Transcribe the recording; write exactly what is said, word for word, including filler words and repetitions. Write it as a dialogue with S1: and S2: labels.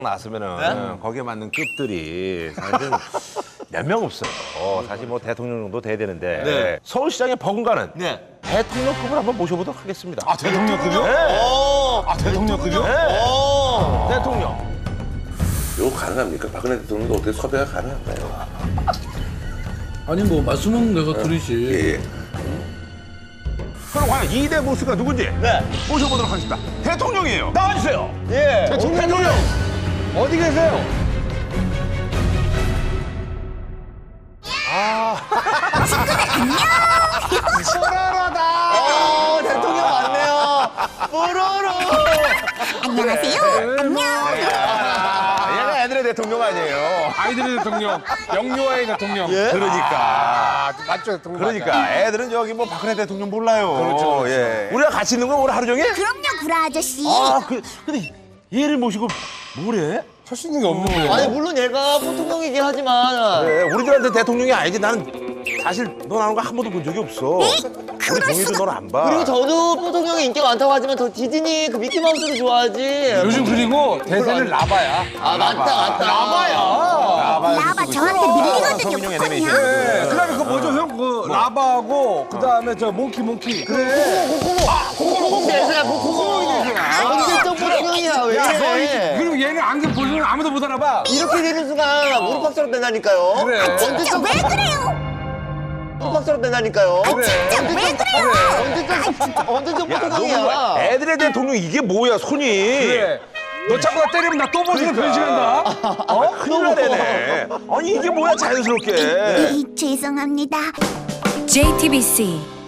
S1: 나왔으면은
S2: 네?
S1: 거기에 맞는 급들이 사실 몇 명 없어요. 사실 뭐 대통령 정도 돼야 되는데
S2: 네.
S1: 서울시장에 버금가는
S2: 네.
S1: 대통령급을 한번 모셔보도록 하겠습니다.
S3: 아 대통령급이요?
S1: 네.
S2: 오.
S3: 아 대통령급이요?
S1: 네.
S2: 오.
S1: 대통령.
S4: 이거 가능합니까? 박근혜 대통령도 어떻게 섭외가 가능한가요?
S5: 아니 뭐 말씀은 내가 들으시.
S4: 예, 예.
S1: 그럼 과연 이 대 모스가 누군지
S2: 네.
S1: 모셔보도록 하겠습니다. 대통령이에요. 나와주세요.
S2: 예.
S1: 대통령. 대통령.
S3: 어디 계세요?
S2: 어, 대통령 왔네요. 뽀로로.
S6: 안녕하세요. 안녕.
S1: 아, 얘가 애들의 대통령 아니에요.
S3: 아이들의 대통령, 영유아의 대통령.
S2: 예?
S1: 그러니까.
S3: 아, 맞죠, 대통령.
S1: 그러니까 애들은 저기 뭐 박근혜 대통령 몰라요.
S3: 그렇죠, 그렇죠.
S1: 예. 우리가 같이 있는 거 오늘 하루 종일?
S6: 그럼요, 구라 아저씨.
S1: 아, 그, 근데 얘를 모시고 뭐래?
S3: 할 수 있는 게 없는 거예요.
S2: 아니 물론 얘가 보통령이긴 하지만
S1: 그래, 우리들한테 대통령이 아니지. 나는 사실 너 나오는 거 한 번도 본 적이 없어. 우리 동희도 너를 안 봐.
S2: 그리고 저도 보통령이 인기가 많다고 하지만 더 디즈니 그 미키마우스를 좋아하지.
S3: 요즘 그리고 대세는 라바야.
S2: 아 맞다 맞다.
S6: 라바 저한테 밀리거든요,
S1: 성인용
S6: 북한이요.
S1: 애니메이션.
S3: 네, 그다음에 그 뭐죠, 형? 그 라바하고 그다음에 저 몽키 몽키. 그래.
S2: 콩콩 대세야 콩콩 대세야. 언제적 보통령이야 왜
S3: 야, 너 이-
S2: 이래?
S3: 그리고 얘는 안경 보시면 아무도 못 알아봐.
S2: 이렇게 되는 순간 무릎팍처럼 된다니까요.
S3: 그래.
S6: 진짜 왜 그래요?
S2: 무릎팍처럼 된다니까요.
S6: 진짜 왜 그래요?
S2: 언제적 언제적
S1: 야, 너
S2: 보통령이야.
S1: 뭐 애들의 대통령 이게 뭐야, 손이?
S3: 그래. 너 자꾸 나 때리면 나 또 버스로 변신한다.
S1: 어? 큰일 나네. 아니, 이게 뭐야, 자연스럽게.
S6: 이, 죄송합니다.
S7: 제이티비씨